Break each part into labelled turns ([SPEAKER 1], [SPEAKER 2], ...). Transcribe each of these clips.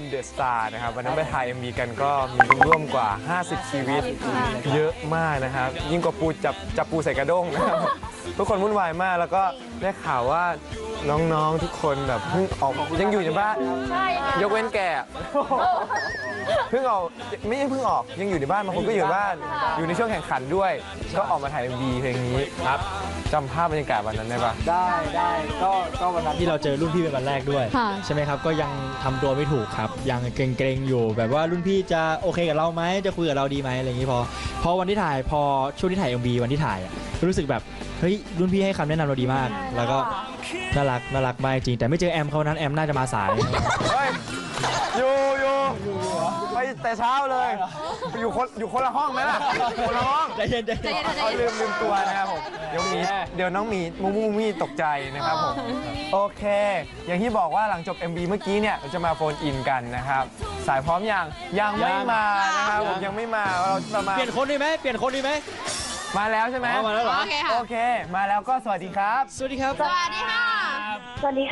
[SPEAKER 1] เดอะสตาร์นะครับวันนั้นไปถ่ายMVกันก็มีร่วมกว่า50ชีวิตเยอะมากนะครับยิ่งกว่าปูจับปูใส่กระด้งนะครับทุกคนวุ่นวายมากแล้วก็ได้ข่าวว่าน้องๆทุกคนแบบเพิ่งออกยังอยู่ในบ้านยกเว้นแกเพิ่งออกไม่ใช่เพิ่งออกยังอยู่ในบ้านบางคนก็อยู่บ้านอยู่ในช่วงแข่งขันด้วยก็ออกมาถ่ายMVเพลงนี้ครับจำภาพบรรยากาศวันนั้นได้ปะ
[SPEAKER 2] ได้ก็วันนั้นที่เราเจอรุ่นพี่เป็นวันแรกด้วยใช่ไหมครับก็ยังทำตัวไม่ถูกครับยังเกรงๆอยู่แบบว่ารุ่นพี่จะโอเคกับเราไหมจะคุยกับเราดีไหมอะไรอย่างนี้พอวันที่ถ่ายพอช่วงที่ถ่าย MV วันที่ถ่ายรู้สึกแบบเฮ้ยรุ่นพี่ให้คำแนะนำเราดีมากแล้วก็น่ารักมากจริงแต่ไม่เจอแอมเขานั้นแอมน่าจะมาสาย
[SPEAKER 1] อยู่ไปแต่เช้าเลยอยู่คนละห้องไหมล่ะคนละห้อง
[SPEAKER 2] ใจเย็น
[SPEAKER 1] เขาลืมตัวนะครับผมเดี๋ยวน้องหมีมูมี่ตกใจนะครับผมโอเคอย่างที่บอกว่าหลังจบ MV เมื่อกี้เนี่ยเราจะมาโฟนอินกันนะครับสายพร้อมยังไม่มานะครับผมยังไม่มาเราจะมา
[SPEAKER 2] เปลี่ยนคนดีไหม
[SPEAKER 1] มาแล้วใช่ไหม
[SPEAKER 2] มาแล้วเหรอ
[SPEAKER 1] โอเคมาแล้วก็สวัสดีครับ
[SPEAKER 2] สวัสดีครับ
[SPEAKER 3] สวัสดีค่ะ
[SPEAKER 1] ชื่อ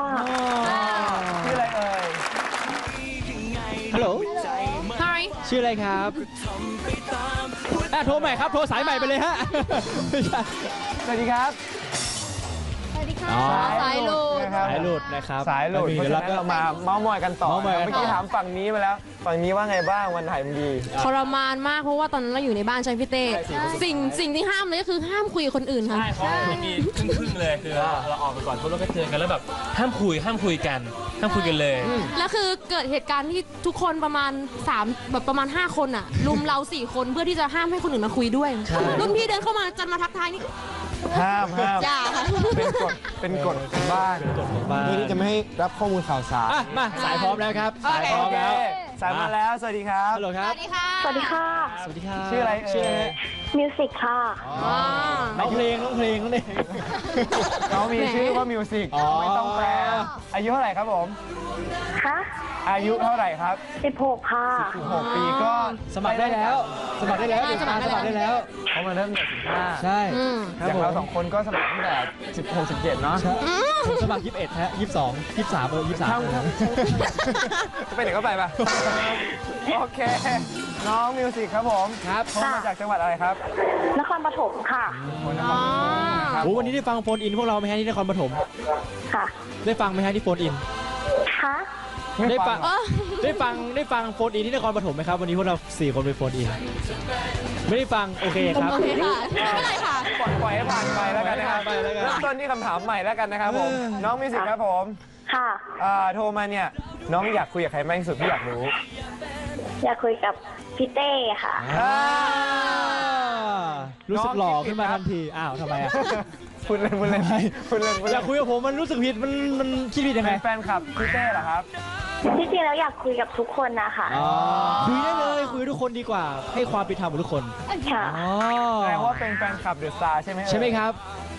[SPEAKER 1] อะไรเอ่ย
[SPEAKER 2] ฮัลโหล
[SPEAKER 3] Hi
[SPEAKER 2] ชื่ออะไรครับโทรใหม่ครับโทรสายใหม่ไปเลยฮะ
[SPEAKER 1] สวัสดีครับ
[SPEAKER 3] สวัสดีค่ะสายหลุด
[SPEAKER 2] นะครับ
[SPEAKER 1] สายหลุดเพราะฉะนั้นเรามาเมาส์มอยกันต่อเมื่อกี้ถามฝั่งนี้มาแล้วฝั่งนี้ว่าไงบ้างวันถ่ายMV
[SPEAKER 3] ทรมานมากเพราะว่าตอนนั้นเราอยู่ในบ้านใช่พี่เต้สิ่งที่ห้ามเลยก็คือห้ามคุยกับคนอื่นค่ะ
[SPEAKER 4] ใช่เขาจะมีครึ่งเลยคือเราออกไปก่อนพวกเราก็เจอกันแล้วแบบห้ามคุยกันเลย
[SPEAKER 3] แล้วคือเกิดเหตุการณ์ที่ทุกคนประมาณ5 คนอ่ะลุมเรา4 คนเพื่อที่จะห้ามให้คนอื่นมาคุยด้วยรุ่นพี่เดินเข้ามาจะมาทักทายนี่
[SPEAKER 1] ห้าม
[SPEAKER 3] อย่าค่ะ
[SPEAKER 1] เป็นกฎของบ้านเพื่อที่จะไม่ให้รับข้อมูลข่าวสาร
[SPEAKER 2] มาสายพร้อมแล้วครับสายพร้อมแล้ว
[SPEAKER 1] สายมาแล้วสวัสดีครับ
[SPEAKER 2] ฮัลโหลครับ
[SPEAKER 3] สวัสดีค่ะ
[SPEAKER 5] สวัสดีค่ะ
[SPEAKER 1] ชื่ออะไร
[SPEAKER 5] มิวสิกค่ะ
[SPEAKER 2] น้องเพลงนั่นเอง
[SPEAKER 1] น้องมีชื่อว่ามิวสิกไม่ต้องแปลอายุเท่าไหร่ครับผม
[SPEAKER 5] คะ
[SPEAKER 1] อายุเท่าไหร่ครับ
[SPEAKER 5] 16ค่ะ
[SPEAKER 1] 16 ปีก็
[SPEAKER 2] สมัครได้แล้วสมัครได้แล้ว
[SPEAKER 1] เขามาเริ่มตั้งแต่15
[SPEAKER 2] ใช่
[SPEAKER 1] อย่างเรา2คนก็สมัครตั้งแต่16 17เนาะ
[SPEAKER 2] สมัคร21ฮะ22 23
[SPEAKER 1] จะไปไหนก็ไปป่ะโอเคน้องมิวสิกครับผม
[SPEAKER 2] ครับ
[SPEAKER 1] มาจากจังหวัดอะไรครับ
[SPEAKER 5] นครปฐมค่ะ
[SPEAKER 2] วันนี้ได้ฟังโฟนอินพวกเราไหมฮะที่นครปฐม
[SPEAKER 5] ค่ะ
[SPEAKER 2] ได้ฟังไหมฮะที่โฟนอิน
[SPEAKER 5] คะ
[SPEAKER 2] ได้ฟังโฟนอินที่นครปฐมไหมครับวันนี้พวกเรา4 คนไปโฟนอินไม่ได้ฟังโอเคครับ
[SPEAKER 3] โอเคค่ะไม่เป็นไรค่ะ
[SPEAKER 1] ปล่อยให้ผ่านไปแล้วกันนะครับเริ่มต้นที่คำถามใหม่แล้วกันนะครับผมน้องมิวสิกครับผม
[SPEAKER 5] ค่ะ
[SPEAKER 1] โทรมาเนี่ยน้องอยากคุยกับใครมากที่สุดที่อยากรู้
[SPEAKER 5] อยากคุยกับพี่เต้ค่ะ
[SPEAKER 2] รู้สึกหล่อขึ้นมาทันทีอ้าวทำไม
[SPEAKER 1] พูดเล่น
[SPEAKER 2] อยากคุยกับผมมันรู้สึกผิดมันคิดผิดยังไง
[SPEAKER 1] แฟนคลับพี่เต้เหรอครับ
[SPEAKER 5] ที่จริงแล้วอยากคุยกับทุกคนนะคะ
[SPEAKER 2] คุยได้เลยคุยทุกคนดีกว่าให้ความเป็นธรรมกับทุกคน
[SPEAKER 5] ค่ะ
[SPEAKER 1] แปลว่าเป็นแฟนคลับเดอะสตาร์ใช่ไหม
[SPEAKER 2] ครับ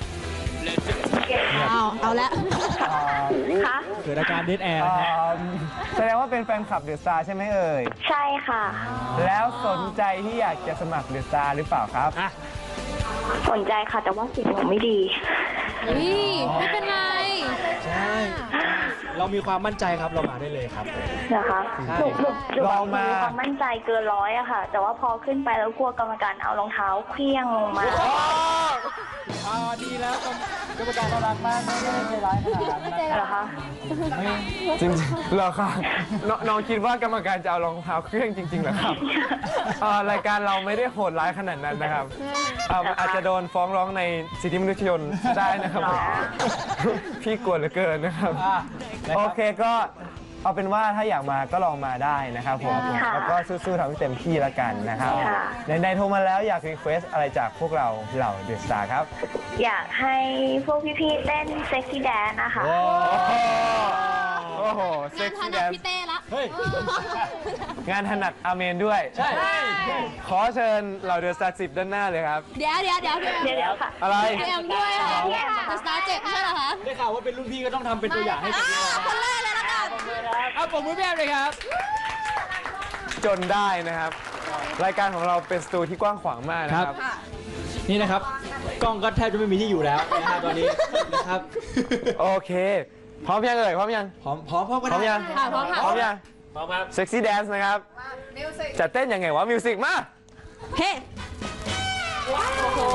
[SPEAKER 3] เอาละ
[SPEAKER 5] ค่ะ
[SPEAKER 2] เกิดอาการเดดแอร์
[SPEAKER 1] แสดงว่าเป็นแฟนคลับเดอะสตาร์ใช่ไหมเอ่ย
[SPEAKER 5] ใช่ค่ะ
[SPEAKER 1] แล้วสนใจที่อยากจะสมัครเดอะสตาร์หรือเปล่าครับ
[SPEAKER 5] สนใจค่ะแต่ว่าเสียงหนูไม่ดี
[SPEAKER 3] ไม่เป็นไร
[SPEAKER 2] ใช่เรามีความมั่นใจครับเรามาได้เลยครับ
[SPEAKER 5] นะคะเรามีความมั่นใจเกิน100อะค่ะแต่ว่าพอขึ้นไปแล้วกลัวกรรมการเอารองเท้าเคลี้ยงลงมา
[SPEAKER 2] ดีแล้วกรรมการรักมากไม่ได้ใจร้ายขนาดนั้น
[SPEAKER 5] เหรอคะ
[SPEAKER 1] จริงเหรอคะน้องคิดว่ากรรมการจะเอารองเท้าเครื่องจริงๆเหรอครับรายการเราไม่ได้โหดร้ายขนาดนั้นนะครับอาจจะโดนฟ้องร้องในสิทธิมนุษยชนได้นะครับพี่กลัวเหลือเกินนะครับโอเคก็เอาเป็นว่าถ้าอยากมาก็ลองมาได้นะครับผมแล้วก็สู้ๆทำให้เต็มที่แล้วกันนะครับในโทรมาแล้วอยากรีเควสอะไรจากพวกเราเหล่าเดอะสตาร์ครับ
[SPEAKER 5] อยากให้พวกพี่ๆเต้นเซ็กซี่แดนนะคะ
[SPEAKER 1] โอ้โหเซ็กซี่แดน
[SPEAKER 3] พี่เต้ละ
[SPEAKER 1] งานถนัดอาเมนด้วยใช่ขอเชิญเหล่าเดอะสตาร์10ด้านหน้าเลยครับ
[SPEAKER 3] เดี๋ยวค่ะ
[SPEAKER 1] อะไร
[SPEAKER 3] เอ็มด้วยค่ะเดอะสตาร์7ใช่เหรอคะ
[SPEAKER 2] ได้ข่าวว่าเป็นรุ่นพี่ก็ต้องทำเป็นตัวอย่างให้
[SPEAKER 3] คนแรกเลยละกัน
[SPEAKER 2] เอาปมมือแม่เลยครับ
[SPEAKER 1] จนได้นะครับรายการของเราเป็นสตูที่กว้างขวางมากนะครับ
[SPEAKER 2] นี่นะครับกล้องก็แทบจะไม่มีที่อยู่แล้วนะครับตอนนี้นะครับ
[SPEAKER 1] โอเคพร้อมยังเอ่ยพร้อมยัง
[SPEAKER 2] พร้อม
[SPEAKER 1] ยัง
[SPEAKER 3] พร้อมค่ะ
[SPEAKER 1] พร้อมยัง
[SPEAKER 4] พร้อมครับ
[SPEAKER 1] เซ็กซี่แดนซ์นะครับจะเต้นยังไงวะมิวสิกมา
[SPEAKER 3] เฮ้โอ้โห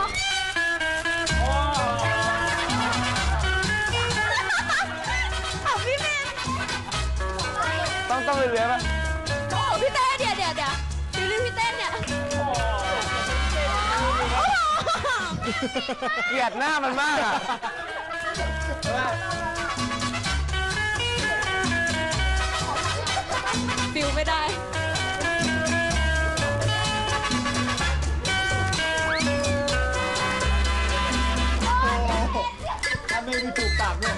[SPEAKER 3] พี่เมน
[SPEAKER 1] ต้องเรื่อยๆป่ะ
[SPEAKER 3] โอ้พี่เต้เดี๋ยวดูรีพี่เต้เนี่ย
[SPEAKER 1] เกลียดหน้ามันมากอ่ะ
[SPEAKER 3] ฟิลไม่ได้
[SPEAKER 2] ถ้าไม่มีจูบปากด้วย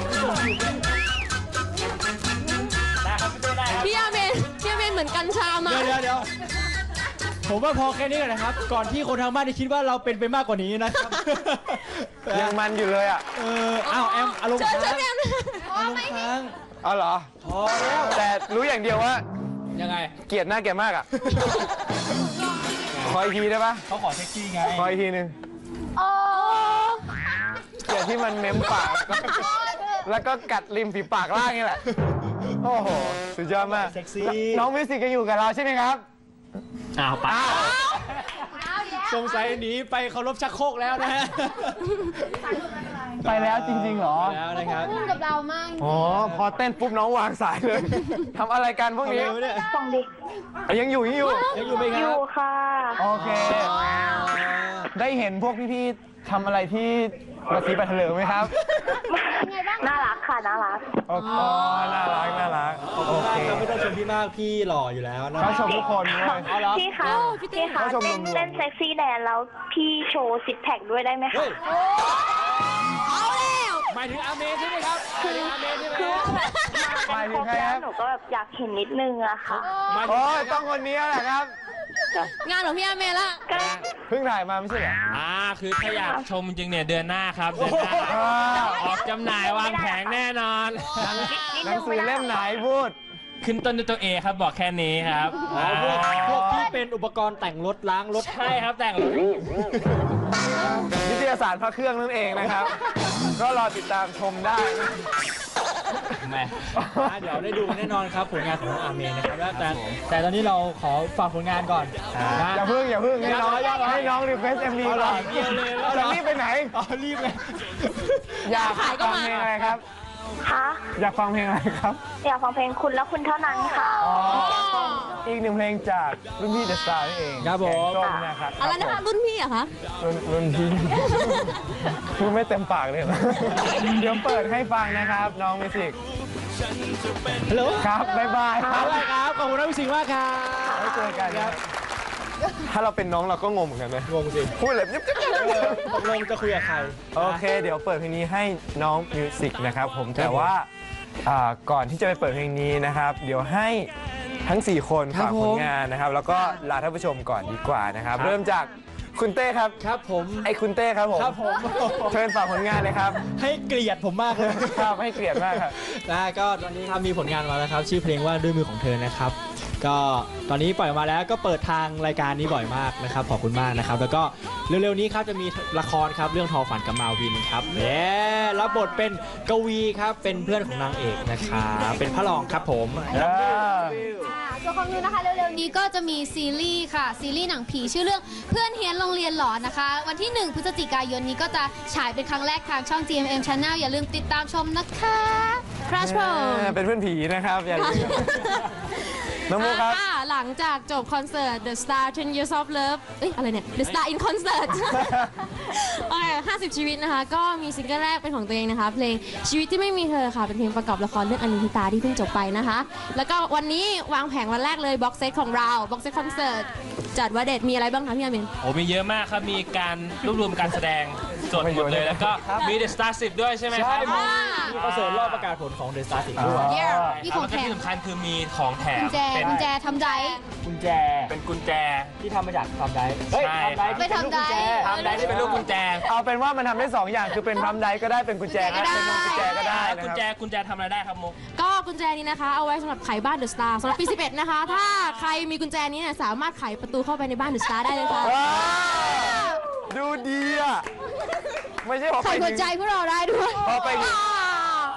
[SPEAKER 4] ได้ครับพี่เต้ได้ครับ
[SPEAKER 3] พี่อาเมนเหมือนกัญชามา
[SPEAKER 2] เดี๋ยวผมว่าพอแค่นี้ก่อนนะครับ ก่อนที่คนทางบ้านจะคิดว่าเราเป็นไปมากกว่านี้นะครับ
[SPEAKER 1] ยังมันอยู่เลยอ่ะ
[SPEAKER 2] อ้าวแอมอารมณ์
[SPEAKER 3] เชิ
[SPEAKER 2] ค้า
[SPEAKER 3] ญ
[SPEAKER 2] ง
[SPEAKER 3] แอม
[SPEAKER 2] อารมณ์ค้าง
[SPEAKER 1] เอาเหรอ
[SPEAKER 2] พอแล้ว
[SPEAKER 1] แต่รู้อย่างเดียวว่า
[SPEAKER 2] ยังไง
[SPEAKER 1] เกลียดหน้าแกมากอ่ะ ขออีกทีได้ปะ
[SPEAKER 2] เขาขอเซ็กซี่ไง
[SPEAKER 1] ขออีกทีหนึง
[SPEAKER 3] โอ้
[SPEAKER 1] เกลียดที่มันเม้มปาก แล้วก็กัดริมฝีปากล่างนี่แหละ โอ้โห สุดยอดมาก
[SPEAKER 2] เซ็กซี่
[SPEAKER 1] น้องมิวสิกยังอยู่กับเราใช่ไหมครับ
[SPEAKER 4] อ้าวไป
[SPEAKER 2] สงสัยหนีไปเคารพชักโครกแล้วนะฮะ
[SPEAKER 1] ไปแล้วจริงๆเหรอ
[SPEAKER 2] แล้วนะครับ
[SPEAKER 3] พุ่งกับเรามาก
[SPEAKER 1] อ๋อ พอเต้นปุ๊บน้องวางสายเลย ทำอะไรกันพวกนี้
[SPEAKER 2] ทำอะไรวะเนี่ย
[SPEAKER 5] ฟังดิ
[SPEAKER 1] ยังอยู่
[SPEAKER 2] ยังอยู่ไหมค
[SPEAKER 5] อ
[SPEAKER 2] รับ
[SPEAKER 5] ยู่ค่ะ
[SPEAKER 1] โอเค ได้เห็นพวกพี่ๆทำอะไรที่ระสีประเถลิงไหมครับ
[SPEAKER 5] น่ารักค่ะ น่ารัก
[SPEAKER 1] โอ้โหน่ารัก น่ารัก โอเค
[SPEAKER 2] ครับไม่ต้องชมพี่มากพี่หล่ออยู่แล้วนะ
[SPEAKER 1] เขาชมทุกคนด้วย
[SPEAKER 5] พี่คะพี่คะ
[SPEAKER 1] เขาชมรวมๆ
[SPEAKER 5] เต้นเซ็กซี่แดนแล้วพี่โชว์ซิกแพคด้วยได้ไหมคะ
[SPEAKER 2] เฮ้ย
[SPEAKER 3] เอาแล้ว
[SPEAKER 2] หมายถึงอาเมใช่ไหมครับหมายถึงอาเมใช่ไหม
[SPEAKER 5] คือแบบมากันครบแล้วหนูก็แบบอยากเห็นนิดนึงอะค่ะ
[SPEAKER 2] หมายถึง
[SPEAKER 1] โอ้ยต้องคนนี้แหละครับ
[SPEAKER 3] งานของพี่อาเมละ
[SPEAKER 5] ก็
[SPEAKER 1] เพิ่งถ่ายมาไม่ใช่เหรอ
[SPEAKER 4] คือถ้าอยากชมจริงๆเนี่ยเดือนหน้าครับเดือนหน้า ออกจำหน่ายวางแผงแน่นอน
[SPEAKER 1] หนังสือเล่มไหนพูด
[SPEAKER 4] ขึ้นต้นด้วยตัวเอครับบอกแค่นี้ครับ
[SPEAKER 2] พวกที่เป็นอุปกรณ์แต่งรถล้างรถ
[SPEAKER 4] ใช่ครับแต่งรถ
[SPEAKER 1] นิตยสารพระเครื่องนั่นเองนะครับ ก็รอติดตามชมได้นะ
[SPEAKER 4] แม่
[SPEAKER 2] เดี๋ยวได้ดูกันแน่นอนครับผลงานของน้องอาเมนนะครับแต่ตอนนี้เราขอฝากผลงานก่อนนะ
[SPEAKER 1] อย่าเพิ่งให้น้องรีเควสเอ็มวีก่อน
[SPEAKER 2] เดียวเลย
[SPEAKER 1] จะรีบไปไหน
[SPEAKER 2] อ๋อรีบเลย
[SPEAKER 1] อยาก
[SPEAKER 3] ขายก็
[SPEAKER 1] ฟัง
[SPEAKER 3] มา
[SPEAKER 1] เพลงอะไรครับ
[SPEAKER 5] คะ
[SPEAKER 1] อยากฟังเพลงอะไรครับ
[SPEAKER 5] อยากฟังเพลงคุณและคุณเท่านั้นค่ะ
[SPEAKER 1] อีกหนึ่งเพลงจากรุ่นพี่เดอะสตาร์นั่นเอง
[SPEAKER 2] ครับผม
[SPEAKER 1] แกงส้มนะครับ
[SPEAKER 3] อะไรนะคะรุ่นพี่อะคะ
[SPEAKER 1] รุ่นพี่พูดไม่เต็มปากเลยเหรอเดี๋ยวเปิดให้ฟังนะครับ น้องมิวสิก
[SPEAKER 2] ฮัลโหล
[SPEAKER 1] ครับ บ๊ายบายครับ
[SPEAKER 2] ได้ครับขอบคุณน้องสิงห์มากครับ
[SPEAKER 1] ไว้เจอกันครับ ถ้าเราเป็นน้องเราก็งงเหมือนกันนะ
[SPEAKER 2] งงสิ
[SPEAKER 1] พูดแบบยิบ
[SPEAKER 2] ตกลงจะคุยกับใคร
[SPEAKER 1] โอเค เดี๋ยวเปิดเพลงนี้ให้น้องมิวสิกนะครับผมแต่ว่าก่อนที่จะไปเปิดเพลงนี้นะครับ เดี๋ยวให้ทั้ง 4 คน
[SPEAKER 2] ครับ
[SPEAKER 1] ฝากผลงานนะครับ แล้วก็ลาท่านผู้ชมก่อนดีกว่านะครับ เริ่มจากคุณเต้ครับ
[SPEAKER 2] ครับผม
[SPEAKER 1] ไอ้คุณเต้ครับผม
[SPEAKER 2] ครับผม
[SPEAKER 1] เชิญฝากผลงานเลยครับ
[SPEAKER 2] ให้เกลียดผมมากเลย
[SPEAKER 1] ครับให้เกลียดมากครับ
[SPEAKER 2] นะก็ตอนนี้ครับมีผลงานมาแล้วครับ ชื่อเพลงว่าด้วยมือของเธอนะครับ ก็ตอนนี้ปล่อยมาแล้วก็เปิดทางรายการนี้บ่อยมากนะครับขอบคุณมากนะครับ แล้วก็เร็วๆนี้ครับจะมีละครครับเรื่องทอฝันกับมาวินครับรับบทเป็นกวีครับเป็นเพื่อนของนางเอกนะครับเป็นพระรองครับผม
[SPEAKER 6] ส่วนของนิวนะคะเร็วๆนี้ก็จะมีซีรีส์ค่ะซีรีส์หนังผีชื่อเรื่องเพื่อนเฮียนโรงเรียนหลอนนะคะ วันที่ 1 พฤศจิกายนนี้ก็จะฉายเป็นครั้งแรกทางช่อง GMM Channel อย่าลืมติดตามชมนะคะครัชโป
[SPEAKER 1] เป็นเพื่อนผีนะครับอย่าลืมน้องมุกครับ
[SPEAKER 3] หลังจากจบคอนเสิร์ต The Star 10 Years of Love เอ้ยอะไรเนี่ย The Star in Concert โอเค50 ชีวิตนะคะ ก็มีซิงเกิลแรกเป็นของตัวเองนะคะ เพลงชีวิตที่ไม่มีเธอค่ะ เป็นเพลงประกอบละครเรื่องอนิธิตาที่เพิ่งจบไปนะคะ แล้วก็วันนี้วางแผงวันแรกเลยบ็อกเซตของเราบ็อกเซตคอนเสิร์ตจัดว่าเด็ดมีอะไรบ้างคะพี่อามิน
[SPEAKER 4] โอ้มีเยอะมากครับ มีการรวบรวมการแสดงสดหมดเลย แล้วก็มี The Star 10 ด้วยใช่ไหมครับ
[SPEAKER 2] มีคอนเสิร์ตรอบประกาศผลของ The Star 10ด้วย
[SPEAKER 6] เย้
[SPEAKER 4] แล้ว
[SPEAKER 6] มีของ
[SPEAKER 4] ก็
[SPEAKER 6] แถม
[SPEAKER 4] ที่สำคัญคือมีของแถม
[SPEAKER 6] กุญแจทำใจ
[SPEAKER 2] กุญแจ
[SPEAKER 4] เป็นกุญแจ
[SPEAKER 2] ที่ทำมาจากทำได
[SPEAKER 4] ใช่
[SPEAKER 6] ไปทำได
[SPEAKER 4] ทำได้ที่เป็นรูปกุญแจ
[SPEAKER 1] เอาเป็นว่ามันทำได้ 2 อย่างคือเป็นพรัมไดก็ได้เป็นกุญแจก็ได้เป็นกุญแจก็ได้นะ
[SPEAKER 4] กุญ
[SPEAKER 1] ค
[SPEAKER 4] แจ
[SPEAKER 1] รับ
[SPEAKER 4] กุญแจทำอะไรได้ครับมุก
[SPEAKER 3] ก็กุญแจนี้นะคะ เอาไว้สำหรับไขบ้านเดอะสตาร์สำหรับปี 11 นะคะ ถ้าใครมีกุญแจนี้เนี่ยสามารถไขประตูเข้าไปในบ้านเดอะสตาร์ได้เลยค่ะ
[SPEAKER 1] ว้าวดูดีอ่ะ ไม่ใช่พอ
[SPEAKER 6] ใส่
[SPEAKER 1] ไป
[SPEAKER 6] หัวใจ
[SPEAKER 1] ถึง
[SPEAKER 6] พวกเราได้ด้วย
[SPEAKER 1] พอไปถึง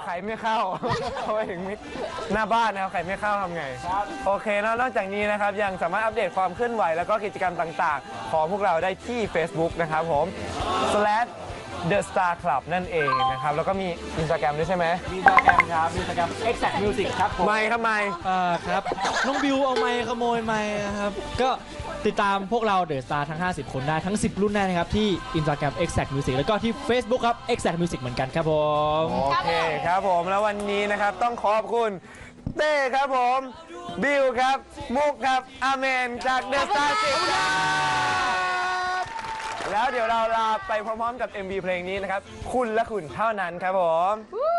[SPEAKER 1] ไข่ไม่เข้า เขาไปถึงหน้าบ้านนะครับไข่ไม่เข้าทำไงโอเคแล้วนอกจากนี้นะครับยังสามารถอัปเดตความเคลื่อนไหวแล้วก็กิจกรรมต่างๆของพวกเราได้ที่ Facebook นะครับผม /The Star Club นั่นเองนะครับแล้วก็มี Instagram ด้วยใช่ไหม
[SPEAKER 2] มีอินสตาแกรมครับมีอินสตาแกรม Exact Music ครับผม
[SPEAKER 1] ไม่ครับไม่
[SPEAKER 2] ครับน้องบิวเอาไมค์ขโมยไมค์นะครับ ก็ติดตามพวกเราเดอะสตาร์ทั้ง 50 คนได้ทั้ง 10 รุ่นได้นะครับ ที่ Instagram Exact Music แล้วก็ที่ Facebook ครับ Exact Music เหมือนกันครับผม
[SPEAKER 1] โอเคครับผมแล้ววันนี้นะครับต้องขอบคุณเต้ครับผมบิวครับมุกครับอาเมนจากเดอะสตาร์10ครับแล้วเดี๋ยวเราลาไปพร้อมๆกับ MV เพลงนี้นะครับคุณและคุณเท่านั้นครับผม